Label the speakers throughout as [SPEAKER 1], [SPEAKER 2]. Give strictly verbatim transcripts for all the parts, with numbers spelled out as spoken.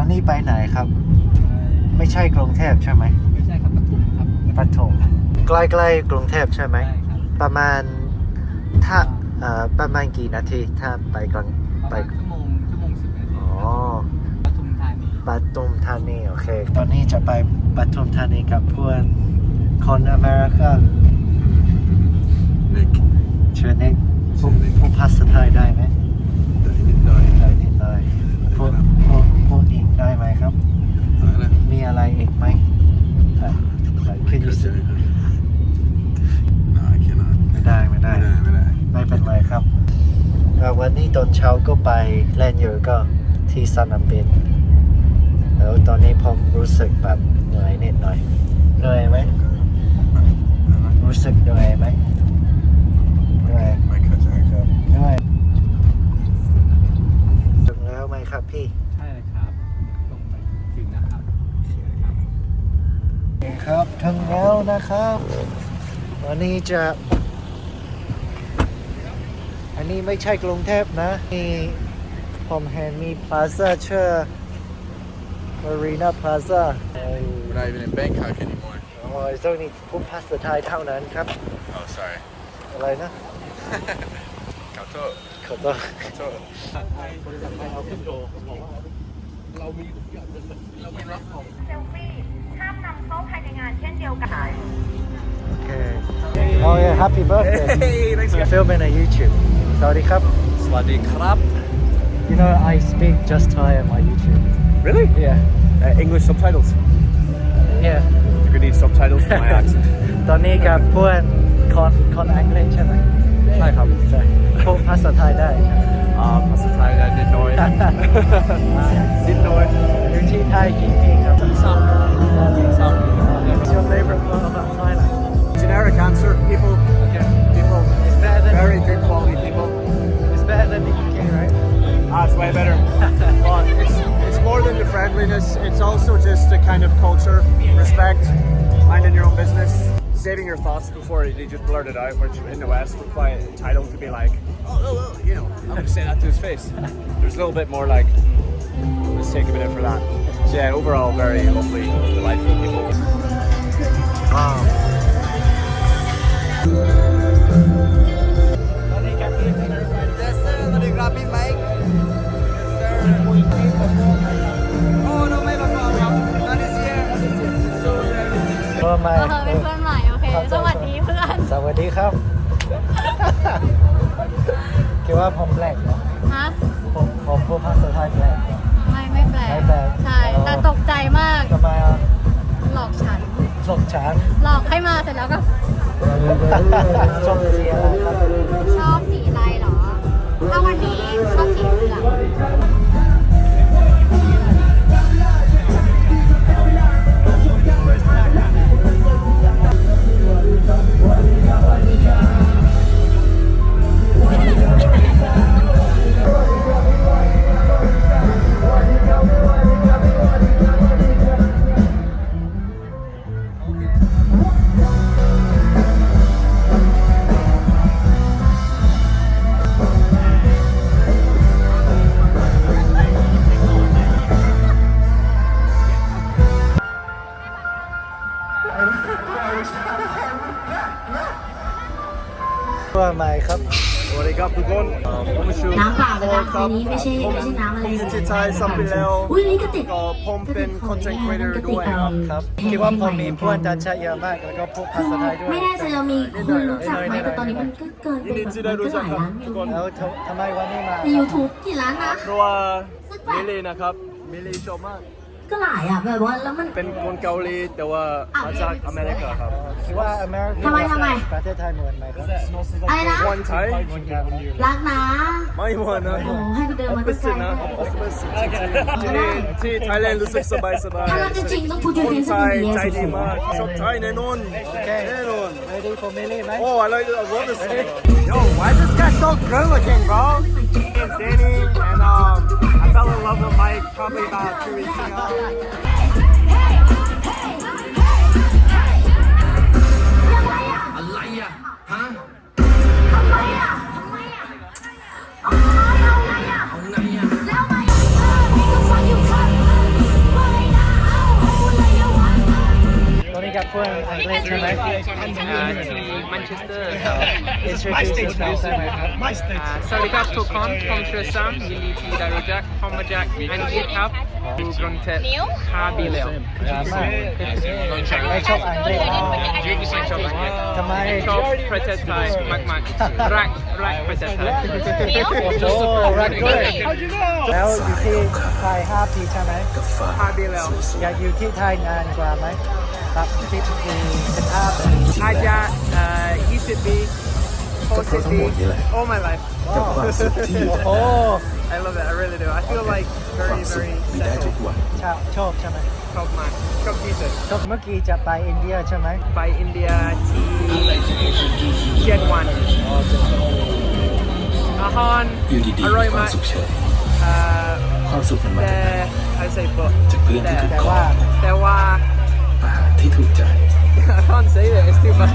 [SPEAKER 1] อนนี้ไปไหนครับ ไม่ใช่กรุงเทพใช่ไหม
[SPEAKER 2] ไม่ใช่ครับปทุมครับ
[SPEAKER 1] ปทุมใกล้ๆกรุงเทพใช่ไหมประมาณถ้าเอ่อประมาณกี่นาทีถ้าไปกลางไป
[SPEAKER 2] ชั่วโมงชั่วโมงสิบนาที
[SPEAKER 1] อ๋อ
[SPEAKER 2] ปทุมธานี
[SPEAKER 1] ปทุมธานีโอเคตอนนี้จะไปปทุมธานีกับเพื่อนคนอเมริกันเชิญเน็กพูดภาษาไทยได้ไหม
[SPEAKER 3] ได้นิดหน่อย
[SPEAKER 1] ได้นิดหน่อยพูดพูดพูดอีกได้ไหมครับมีอะไรอีกไหมขึ้นยูสิไม่ได้ไม่ได้ไม่เป็นไรครับวันนี้ตอนเช้าก็ไปเล่นอยู่ก็ที่สนามบินแล้วตอนนี้ผมรู้สึกแบบเหนื่อยนิดหน่อยเหนื่อยไหมรู้สึกเหนื่อยไหมเหนื่อย
[SPEAKER 3] ไม่เข้าใจครับ
[SPEAKER 1] เหนื่อยถึงแล้วไหมครับพี่
[SPEAKER 2] ใช่ครับลงไปถึงนะครับ
[SPEAKER 1] ครับถึงแล้วนะครับวันนี้จะอันนี้ไม่ใช่กรุงเทพนะนี่ผมเห็นมีพลาซ่าชื่อ Marina Plaza
[SPEAKER 3] We're not even in Bangkok anymore
[SPEAKER 1] อ๋อตรงนี้พูดภาษาไทยเท่านั้นครับ
[SPEAKER 3] Oh sorry
[SPEAKER 1] อะไรนะ
[SPEAKER 3] ขอโทษ
[SPEAKER 1] ขอโทษ
[SPEAKER 3] ขอโทษ
[SPEAKER 2] เรามีเรามีรับของ
[SPEAKER 4] เซลฟี่ห้ามนำเข้าภายในงานเช่นเดียวกัน
[SPEAKER 1] Okay. Oh yeah, happy birthday.
[SPEAKER 3] Hey, thanks
[SPEAKER 1] I'm filming on YouTube. สวัสดีครับ
[SPEAKER 3] สวัสดีครับ
[SPEAKER 1] You know, I speak just Thai on my YouTube.
[SPEAKER 3] Really?
[SPEAKER 1] Yeah.
[SPEAKER 3] Uh, English subtitles.
[SPEAKER 1] Yeah.
[SPEAKER 3] You're gonna need subtitles for my accent.
[SPEAKER 1] ตอนนี้กับเพื่อนคนคนอังกฤษใช่ไหม
[SPEAKER 3] ใช่ครับ
[SPEAKER 1] ใช่พูดภาษาไทยได้ใช่ไหม
[SPEAKER 3] อ่าภาษาไทยได้นิดหน่อยนิดหน่อย
[SPEAKER 1] อยู่ที่ไทยกี่ปีครับ
[SPEAKER 3] สามสาม
[SPEAKER 1] What's your favorite part about Thailand?
[SPEAKER 3] Generic answer, people.
[SPEAKER 1] Okay.
[SPEAKER 3] People.
[SPEAKER 1] It's better than
[SPEAKER 3] Very good quality people.
[SPEAKER 1] It's better than the U K, right?
[SPEAKER 3] Ah, it's way better. But it's it's more than the friendliness. It's also just the kind of culture, respect, minding your own business, saving your thoughts before you just blurt it out. Which in the West we're quite entitled to be like, oh, oh, oh, you know, I'm going to say that to his face. There's a little bit more like, let's take a minute for that. So yeah, overall, very lovely, delightful people.
[SPEAKER 1] Wow. เพื่อนใหม่
[SPEAKER 4] เออเป็นเพื่อนใหม่โอเคสวัสดีเพื่อน
[SPEAKER 1] สวัสดีครับคิดว่าผมแปลกเหรอ
[SPEAKER 4] ฮะ
[SPEAKER 1] ผมผมพูดภาษาไทยแปลกเหรอ
[SPEAKER 4] ไม่ไม่แปลก
[SPEAKER 1] ไม่แปลก
[SPEAKER 4] ใช่แต่ตกใจมาก
[SPEAKER 1] ทำไมอ่ะ
[SPEAKER 4] หลอกฉัน
[SPEAKER 1] หลอกฉัน
[SPEAKER 4] หลอกให้มาเสร็จแล้วก็
[SPEAKER 1] ชอบสีอะไรครับ
[SPEAKER 4] ชอบสีอะไรเหรอถ้าวันนี้ชอบสีเหลือง
[SPEAKER 1] ว่าใหม่ครับ
[SPEAKER 3] สวัสดีครับทุกคนผมชื่อ
[SPEAKER 5] น้ำเปล่านะคะในนี้ไม่ใช่ไม่ใช่น้ำอะไร
[SPEAKER 3] ผมที่ไทยสัมผัสแล้ว
[SPEAKER 5] อุ้ยนี่ก็ติด
[SPEAKER 3] ก็ผมเป็นคอนเทนต์ครีเอเตอร์ด้วย
[SPEAKER 1] ครับคิดว่าผมมีเพื่อนต่างชาติเยอะมากแล้วก็พูดภาษาไทยด้วย
[SPEAKER 5] ไม่แน่ใจเรามีคนรู้จักไหมแต่ตอนนี้มันก็เกินไปมันก็หลายล้านวิว
[SPEAKER 1] แล้วทำไมวันนี้มา
[SPEAKER 5] ใน YouTube กี่ล้านนะ
[SPEAKER 3] เพราะว่ามิลลี่นะครับมิลลี่ชอบมาก
[SPEAKER 5] ก็หลายอ่ะแบบว่าแล้วมัน
[SPEAKER 3] เป็นคนเกาหลีแต่ว่ามาจากอเมริกาครับ
[SPEAKER 1] คิดว่าอเมริกา
[SPEAKER 5] ทำไมทำไม
[SPEAKER 1] ประเทศไทยเหมือนไหมครับ
[SPEAKER 5] อะไรนะ
[SPEAKER 3] วันไทย
[SPEAKER 5] รักนะ
[SPEAKER 3] ไม่เหมือนนะ
[SPEAKER 5] โอ้ให้กูเดินมาตั้งไกล
[SPEAKER 3] นะที่นี่ที่ไทยแลนด์รู้สึกสบายสบาย
[SPEAKER 5] ถ้ารักจริงต้องพูดยู
[SPEAKER 3] ค
[SPEAKER 5] เท
[SPEAKER 3] น
[SPEAKER 5] น
[SPEAKER 3] ไท
[SPEAKER 5] ส์
[SPEAKER 3] ย
[SPEAKER 5] ดี
[SPEAKER 3] ใจดีมากชอบไทยแน่นอนแน่นอน
[SPEAKER 1] Ready for Millie ไหม
[SPEAKER 3] Oh I like I love this Yo why is this guy so good looking bro It's Danny and um I fell in love with Mike probably about two weeks ago
[SPEAKER 5] แล้วไง
[SPEAKER 1] ใช่ไหม
[SPEAKER 6] อ่าที่แมนเชสเตอร์ครับ
[SPEAKER 1] introduce yourself ได้ไหมครับ
[SPEAKER 6] อ่าสวัสดีครับทุกคนผมชื่อซัมยินดีที่ได้รู้จักผมมาจากอังกฤษครับอยู่กรุงเทพห้าปีแล้ว
[SPEAKER 1] ดราม่าไม่ชอบอังกฤษอ๋อ
[SPEAKER 6] ชอบอังกฤษ
[SPEAKER 1] ทำไม
[SPEAKER 6] ชอบประเทศไทยมากๆรักรักประเทศไทย
[SPEAKER 1] โอ้รักด้วยแล้วอยู่ที่ไทยห้าปีใช่ไหม
[SPEAKER 6] ห้าปีแล้ว
[SPEAKER 1] อยากอยู่ที่ไทยนานกว่าไหมแบบสิบปีสิบห้าปี
[SPEAKER 6] อาจจะเอ่อยี่สิบปีหกสิบปี all my life
[SPEAKER 1] โอ้โห
[SPEAKER 6] I love it I really do I feel like very very settled
[SPEAKER 1] ชอบชอบใช่ไหม
[SPEAKER 6] ชอบมากชอบที่สุด
[SPEAKER 1] ชอบเมื่อกี้จะไปอินเดียใช่ไหม
[SPEAKER 6] ไปอินเดียที่เจ็ดวัน
[SPEAKER 1] อ๋อจะ
[SPEAKER 6] อาหาร
[SPEAKER 7] อยู่ดี
[SPEAKER 6] อ
[SPEAKER 7] ๆ
[SPEAKER 6] ร่อย
[SPEAKER 7] มีความ
[SPEAKER 6] าก
[SPEAKER 7] สุขเฉย
[SPEAKER 6] เอ่อ
[SPEAKER 7] ความสุขมันมา
[SPEAKER 6] แต่
[SPEAKER 7] จากไหน
[SPEAKER 6] ไอใส่บท
[SPEAKER 7] จากเพื่อนที่ถูก
[SPEAKER 1] แต่
[SPEAKER 7] คอ
[SPEAKER 1] ว่า
[SPEAKER 6] แต่ว่า
[SPEAKER 7] อาหารที่ถูกใจ
[SPEAKER 6] I can't say that it's too bad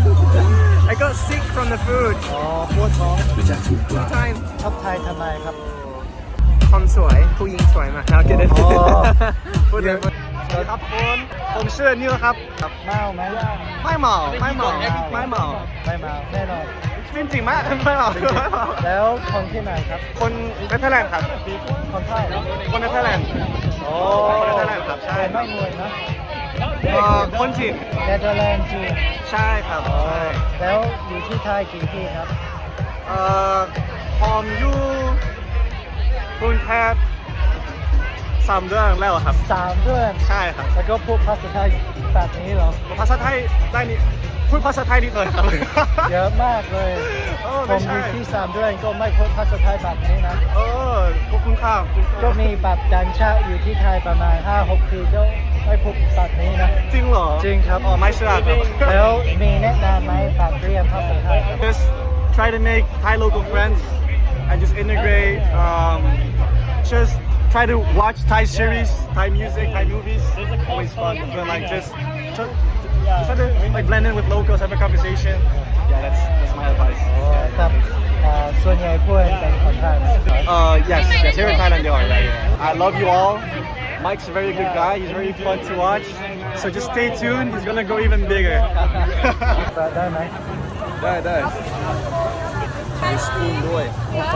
[SPEAKER 6] I got sick from the food
[SPEAKER 1] อ๋อปวดท้อง
[SPEAKER 7] หรือจากถูกปลา
[SPEAKER 6] time
[SPEAKER 1] ชอบไทยทำไมครับ
[SPEAKER 6] คนสวยผู้หญิงสวยมากเราเก็ตได้
[SPEAKER 1] อ๋อ
[SPEAKER 6] พูดเลย
[SPEAKER 3] สวัสดีครับคุณผมชื่อนิวครับ
[SPEAKER 1] เมาไหม
[SPEAKER 3] ไม่เมาไม่เมาไม่เมา
[SPEAKER 1] ไม่เมาแน่นอน
[SPEAKER 3] จริงจริงๆไม่ไม่เมาไม่เมา
[SPEAKER 1] แล้วคนที่ไหนครับ
[SPEAKER 3] คนเนเธอร์แลนด์ครับ
[SPEAKER 1] คนไทยเหรอ
[SPEAKER 3] คนเนเธอร์แลนด์
[SPEAKER 1] โอ้
[SPEAKER 3] คนเนเธอร์แลนด์ครับใช่
[SPEAKER 1] ไม่มวยนะ
[SPEAKER 3] เอ่อคนจีน
[SPEAKER 1] เนเธอร์แลนด์จีน
[SPEAKER 3] ใช่ครับ
[SPEAKER 1] อ๋อ
[SPEAKER 3] ใช่
[SPEAKER 1] แล้วอยู่ที่ไทยกี่ปีครับ
[SPEAKER 3] เอ่อผมอยู่กรุงเทพสามเดือนแล้วครับ
[SPEAKER 1] สามเดือน
[SPEAKER 3] ใช่ครับ
[SPEAKER 1] แล้วก็พูดภาษาไทยแบบนี้เหรอ
[SPEAKER 3] ภาษาไทยได้นี่พูดภาษาไทยนิดหน่อยครับ
[SPEAKER 1] เยอะมากเลย
[SPEAKER 3] โอ้
[SPEAKER 1] ผ
[SPEAKER 3] ไม่
[SPEAKER 1] มอ
[SPEAKER 3] ใช่
[SPEAKER 1] ยู่ที่สามเดือนก็ไม่พูดภาษาไทยแบบนี้นะ
[SPEAKER 3] เออขอบคุณครับขอบคุณครับ
[SPEAKER 1] ก็มีแบบดันชาอยู่ที่ไทยประมาณห้าหกปีก็ไม่พูดแบบนี้นะ
[SPEAKER 3] จริงเหรอ
[SPEAKER 1] จริงครับ
[SPEAKER 3] อ๋อไม่เชื่อครับ
[SPEAKER 1] แล้วมีแนะนำไหมแบบเรียนภาษาไทยครับ
[SPEAKER 3] just try to make Thai local friends and just integrate um, just try to watch Thai series Thai music Thai movies always fun but like just try, just try to like blend in with locals have a conversation yeah that's that's my advice
[SPEAKER 1] แต่เอ่อส่วนใหญ่พูดเป็นคนไทยไหม
[SPEAKER 3] uh yes yes here in Thailand they are right I love you all Mike's a very good guy he's very fun to watch so just stay tuned he's gonna go even bigger
[SPEAKER 1] เปิดได้ไหม
[SPEAKER 3] ได้ได้มีสปูนด้วย
[SPEAKER 1] โอ้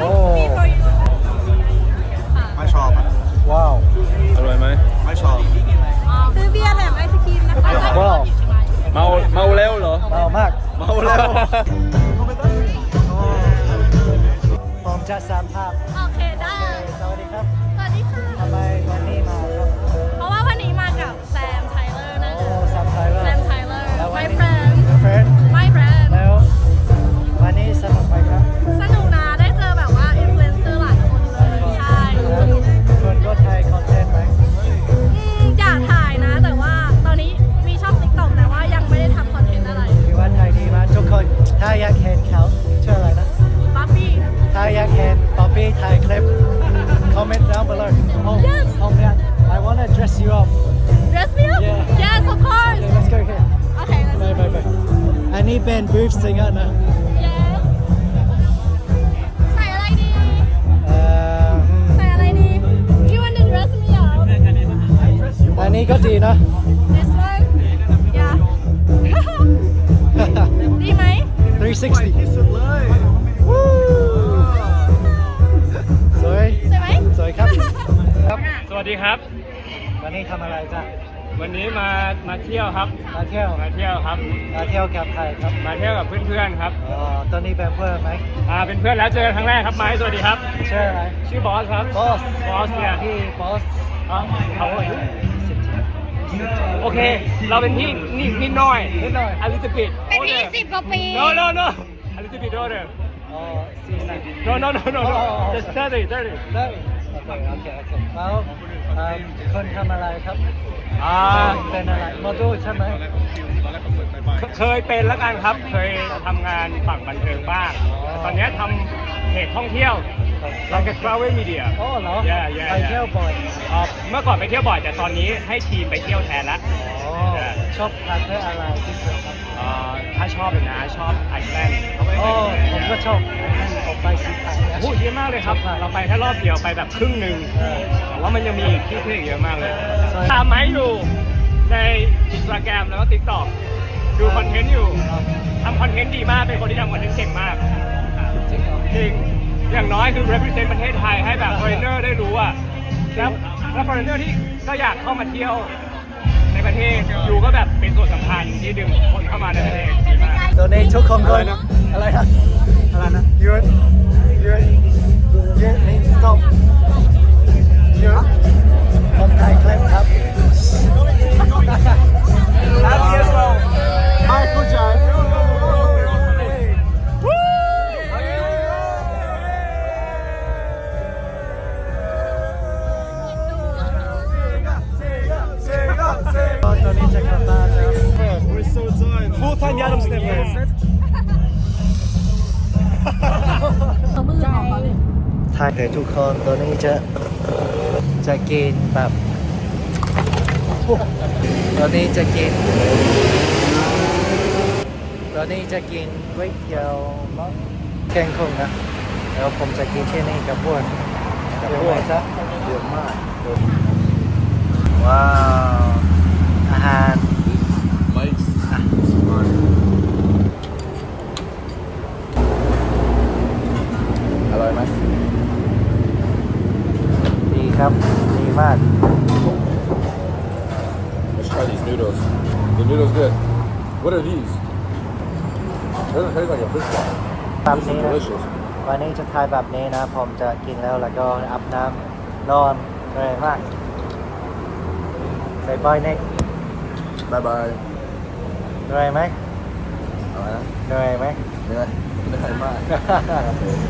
[SPEAKER 3] ไม่ชอบอ่ะ
[SPEAKER 1] ว้าว
[SPEAKER 3] อร่อยไหมไม่ชอบ
[SPEAKER 4] ซื้อเบียร์แถมไอศครีมนะคะ
[SPEAKER 1] ว้าว
[SPEAKER 3] เมาเมาแล้วเหรอ
[SPEAKER 1] เมามาก
[SPEAKER 3] เมาแล้ว
[SPEAKER 1] ผมจะสามภาพ
[SPEAKER 4] โอเคได้
[SPEAKER 1] สวัสดีครับ
[SPEAKER 4] สวัสดีค่ะ
[SPEAKER 1] ทำไมวันนี้มาครับ
[SPEAKER 4] เพราะว่าวันนี้มากับแซมไทเลอร์นะ
[SPEAKER 1] โอ้
[SPEAKER 4] คะ
[SPEAKER 1] สามไทยเล
[SPEAKER 4] แซ
[SPEAKER 1] ย
[SPEAKER 4] มไทเลอร์
[SPEAKER 1] แล้ววัน
[SPEAKER 4] my
[SPEAKER 1] นี้
[SPEAKER 4] friend
[SPEAKER 1] friend
[SPEAKER 4] my friend
[SPEAKER 1] แล้ววันนี้สนุกไหมครับ
[SPEAKER 4] สนุกนะได้เจอแบบว่าอินฟลูเอนเซอร์หลายคนเลยใช่
[SPEAKER 1] แล้วคุณก็ถ่ายคอนเทนต์ไหม
[SPEAKER 4] อืมอยากถ่ายนะ แต่ว่าตอนนี้มีช่อง ติ๊กต็อก แต่ว่ายังไม่ได้ทำคอนเทนต์อะไร
[SPEAKER 1] คิดว่าถ่ายดีมากทุกคนถ้าอยากเห็นเขาชื่ออะไรนะ
[SPEAKER 4] บ๊อบบี้
[SPEAKER 1] ถ้าอยากเห็นป๊อปปี้ถ่ายคลิป comment down below oh
[SPEAKER 4] Yes.
[SPEAKER 1] oh man I wanna dress you up
[SPEAKER 4] dress me up
[SPEAKER 1] Yeah.
[SPEAKER 4] yes of course
[SPEAKER 1] okay let's go here
[SPEAKER 4] โอเค let's
[SPEAKER 1] ไปไปไปอันนี้เป็น booth singer นะ
[SPEAKER 4] yes ใส่อะไรดี
[SPEAKER 1] เอ่อ
[SPEAKER 4] ใส่อะไรดี you want to dress me up
[SPEAKER 1] อันนี้ก็ดีนะ
[SPEAKER 4] this one yeah ดีไหม
[SPEAKER 1] three sixty วู้สวย
[SPEAKER 4] ใช่ไหม
[SPEAKER 1] สวยครับครับ
[SPEAKER 2] สวัสดีครับ
[SPEAKER 1] วันนี้ทำอะไรจ้ะ
[SPEAKER 2] วันนี้มามาเที่ยวครับ
[SPEAKER 1] มาเที่ยว
[SPEAKER 2] มาเที่ยวครับ
[SPEAKER 1] มาเที่ยวกับใครครับ
[SPEAKER 2] มาเที่ยวกับเพื่อนๆครับ
[SPEAKER 1] อ๋อตอนนี้เป็นเพื่อนไหม
[SPEAKER 2] อ่าเป็นเพื่อนแล้วเจอกันครั้งแรกครับไม้สวัสดีครับ
[SPEAKER 1] ชื่ออะไร
[SPEAKER 2] ชื่อบอสครับ
[SPEAKER 1] บอส
[SPEAKER 2] บอสเนี่ย
[SPEAKER 1] พี่บอส
[SPEAKER 2] อ๋อเขาอายุโอเค เราเป็นพี่นิดนิดหน่อย
[SPEAKER 1] นิดหน่อย
[SPEAKER 2] อลิซาบิท
[SPEAKER 4] เป็นพี่สิบกว่าปี
[SPEAKER 2] no no no อลิซาบิทโดเดอร์
[SPEAKER 1] อ๋อสี่สิบ
[SPEAKER 2] no no no no
[SPEAKER 1] อ๋
[SPEAKER 2] no
[SPEAKER 1] ออ๋อ
[SPEAKER 2] just thirty thirty
[SPEAKER 1] ได้โอเคโอเคโอเคแล้วเอ่อคนทำอะไรครับ
[SPEAKER 2] อ่า
[SPEAKER 1] เป็นอะไรโมเดลใช่ไหม
[SPEAKER 2] เคยเป็นแล้วกันครับ เคยทำงานฝั่งบันเทิงบ้าง
[SPEAKER 1] อ๋อ
[SPEAKER 2] ตอนนี้ทำเพจท่องเที่ยว like a travel media
[SPEAKER 1] อ๋อเหรอ
[SPEAKER 2] Yeah, yeah,
[SPEAKER 1] ไปเที่ยวบ่อย
[SPEAKER 2] อ่าเมื่อก่อนไปเที่ยวบ่อยแต่ตอนนี้ให้ทีมไปเที่ยวแทนละ
[SPEAKER 1] อ๋อชอบประเทศอะไรที่สุดครับ
[SPEAKER 2] อ่าถ้าชอบเลยนะชอบไอซ์แลนด์
[SPEAKER 1] อ๋อผมก็ชอบผมไปสิครั้งนะ
[SPEAKER 2] พูดเยอะมากเลยครับ เราไปแค่รอบเดียวไปแบบครึ่งหนึ่ง
[SPEAKER 1] เออ
[SPEAKER 2] แต่ว่ามันยังมีอีกที่เที่ยวอีกเยอะมากเลย
[SPEAKER 1] ใช่
[SPEAKER 2] ตามไม้อยู่ในอินสตาแกรมแล้วก็ติ๊กต็อกดูคอนเทนต์อยู่ทำคอนเทนต์ดีมากเป็นคนที่ทำคอนเทนต์เก่งมากจริงอย่างน้อยคือ represent ประเทศไทยให้แบบ foreigner ได้รู้อ่ะแล้วแล้ว foreigner ที่ก็อยากเข้ามาเที่ยวในประเทศอยู่ก็แบบเป็นส่วนสำคัญที่ดึงคนเข้ามาในประเทศดีมาก
[SPEAKER 1] ตอนนี้ทุกคนก็
[SPEAKER 3] อะไรนะ
[SPEAKER 1] อะไรนะ
[SPEAKER 3] อะไรนะ
[SPEAKER 1] ยืดยืดยืดนี่ stop ยืดผมถ่ายคลิปครับ
[SPEAKER 3] Happy as well
[SPEAKER 1] ไม่เข้าใจ ตอนนี้จะกลับบ้านแล้ว
[SPEAKER 3] We're so tired Full time Yadam sniffers
[SPEAKER 1] ถ่ายเดี๋ยวทุกคนตอนนี้จะจะกินแบบตอนนี้จะกินตอนนี้จะกินก๋วยเตี๋ยวมั้งแกงคงนะแล้วผมจะกินที่นี่กับพวกกับพวกจ้ะเยอะมากว้าวอาหาร
[SPEAKER 7] Mike's อร่อยไหม
[SPEAKER 1] ดีครับดีมาก
[SPEAKER 7] Let's try these noodles. The noodles good. What are these? Doesn't taste like a fish ball.
[SPEAKER 1] แบบ
[SPEAKER 7] These
[SPEAKER 1] นี้
[SPEAKER 7] are
[SPEAKER 1] นะ
[SPEAKER 7] delicious.
[SPEAKER 1] วันนี้จะทายแบบนี้นะ ผมจะกินแล้วแล้วก็อาบน้ำนอนเหนื่อยมากใส่บอยเน็ก
[SPEAKER 7] Bye bye.
[SPEAKER 1] เหนื่อยไหม
[SPEAKER 7] เอาละ
[SPEAKER 1] เหนื่อยไหม
[SPEAKER 7] เหนื่อยเหนื่อยมาก